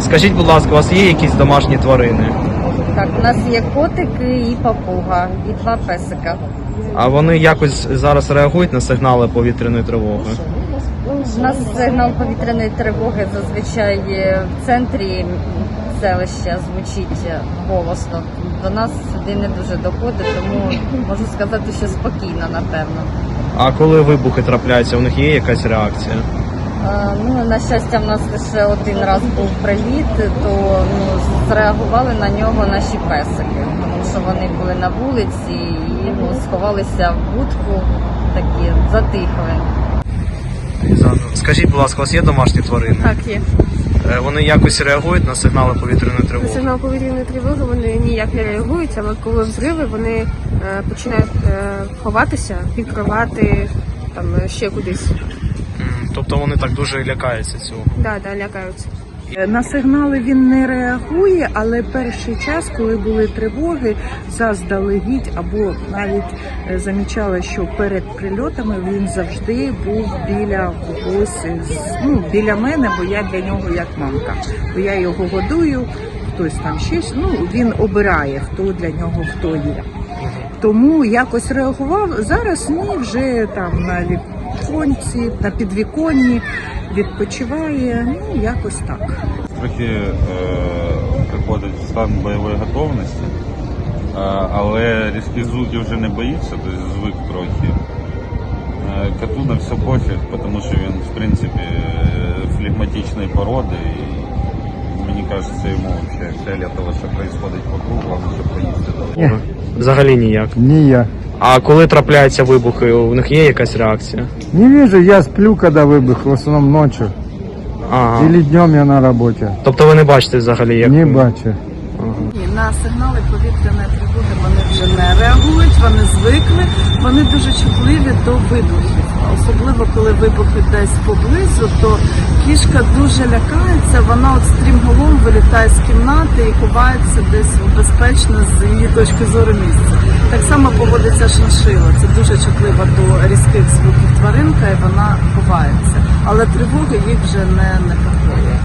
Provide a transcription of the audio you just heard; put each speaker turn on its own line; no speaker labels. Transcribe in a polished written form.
Скажіть, будь ласка, у вас є якісь домашні тварини?
Так, у нас є котики і папуга, і 2 песика.
А вони якось зараз реагують на сигнали повітряної тривоги?
У нас сигнал повітряної тривоги зазвичай в центрі селища звучить голосно. До нас сюди не дуже доходить, тому можу сказати, що спокійно, напевно.
А коли вибухи трапляються, у них є якась реакція?
Ну, на щастя, в нас лише один раз був приліт, то зреагували на нього наші песики, тому що вони були на вулиці і сховалися в будку, такі затихли.
Скажіть, будь ласка, у вас є домашні тварини?
Так, є.
Вони якось реагують на сигнали повітряної
На
тривоги?
сигнал повітряної тривоги вони ніяк не реагують, але коли взриви, вони починають ховатися, під кровати, там ще кудись.
Тобто вони так дуже лякаються цього?
Да, лякаються.
На сигнали він не реагує, але перший час, коли були тривоги, заздалегідь або навіть замічала, що перед прильотами він завжди був біля когось, біля мене, бо я для нього як мамка. Бо я його годую, хтось там ще, він обирає, хто для нього хто є. Тому якось реагував. Зараз ні, вже там на віконці, на підвіконні відпочиває, якось так.
Трохи приходить в стан бойової готовності, але різких звуків вже не боїться, тобто звик трохи. Коту на все пофіг, тому що він, в принципі, флегматичної породи, і мені кажеться, йому взагалі фіолетово, що відбувається вокруг, головне, щоб поїсти довго.
Взагалі ніяк.
Ніяк.
А коли трапляються вибухи, у них є якась реакція?
Не вижу, я сплю, когда выбух, в основном ночью.
Ага.
Или днем я на работе.
Тобто ви не бачите взагалі, як...
Не бачу.
На сигнали повітряної тривоги вони вже не реагують, вони звикли, вони дуже чутливі до вибухів. Особливо, коли вибухи десь поблизу, то кішка дуже лякається, вона от стрімголом вилітає з кімнати і ховається десь безпечно з її точки зору місця. Так само поводиться шиншила, це дуже чутлива до різких звуків тваринка і вона ховається. Але тривоги їх вже не непокоїть.